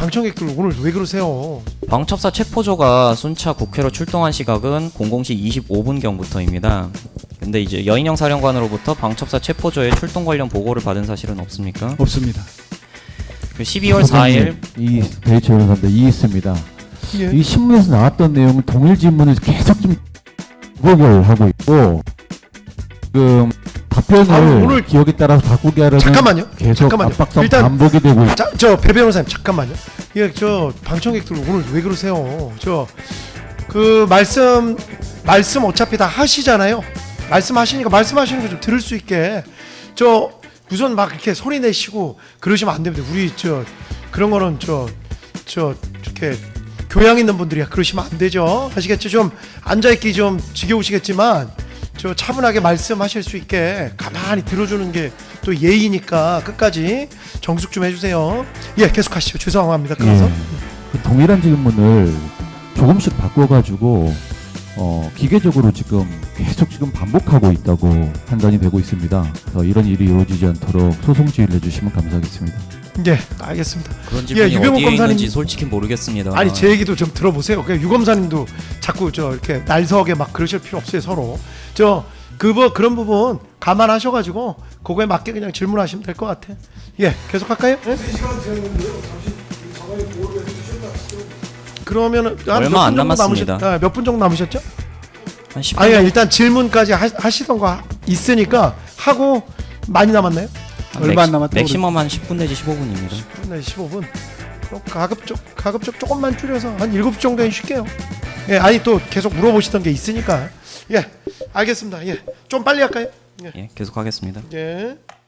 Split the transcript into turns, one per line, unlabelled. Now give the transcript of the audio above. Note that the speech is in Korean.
방청객들 오늘 왜 그러세요?
방첩사 체포조가 순차 국회로 출동한 시각은 00시 25분경부터입니다. 근데 이제 여인영 사령관으로부터 방첩사 체포조의 출동 관련 보고를 받은 사실은 없습니까?
없습니다.
12월 4일
이 베이처 변호사입니다. 이 있습니다.
예.
이 신문에서 나왔던 내용을 동일 질문을 계속 좀 부각을 하고 있고 지금 답변을
오늘
기억에 따라서 바꾸게 하려는
잠깐만요.
계속
잠깐만요.
압박성
일단
반복이 되고
자, 저 배 변호사님 잠깐만요. 예, 저 방청객들 오늘 왜 그러세요? 저 그 말씀 어차피 다 하시잖아요. 말씀하시니까 말씀하시는 거 좀 들을 수 있게 저 무슨 막 이렇게 소리 내시고 그러시면 안 됩니다. 우리 저 그런 거는 저 이렇게 교양 있는 분들이야 그러시면 안 되죠. 아시겠죠? 좀 앉아 있기 좀 지겨우시겠지만 저 차분하게 말씀하실 수 있게 가만히 들어주는 게 또 예의니까 끝까지 정숙 좀 해주세요. 예, 계속하시죠. 죄송합니다. 그래서
그 동일한 질문을 조금씩 바꿔가지고 기계적으로 지금 계속 지금 반복하고 있다고 판단이 되고 있습니다. 그래서 이런 일이 이루어지지 않도록 소송 지휘를 해주시면 감사하겠습니다.
예, 알겠습니다.
그런 질문이
유병욱
어디에
검사님.
있는지 솔직히 모르겠습니다.
아니 제 얘기도 좀 들어보세요. 그냥 유 검사님도 자꾸 저 이렇게 날서게 막 그러실 필요 없어요. 서로 저 그런 부분 감안하셔가지고 그거에 맞게 그냥 질문하시면 될 것 같아. 예, 계속할까요? 예? 그러면은
얼마 안 남았습니다.
몇 분 정도 남으셨죠?
한 10분
아니 일단 질문까지 하시던 거 있으니까 하고 많이 남았나요?
얼마 안 남았다고
맥시멈 한 10분 내지 15분입니다.
10분 내지 15분. 그럼 가급적 조금만 줄여서 한 7분 정도는 쉴게요. 예, 아니 또 계속 물어보시던 게 있으니까. 예, 알겠습니다. 예, 좀 빨리 할까요?
예, 계속하겠습니다.
예.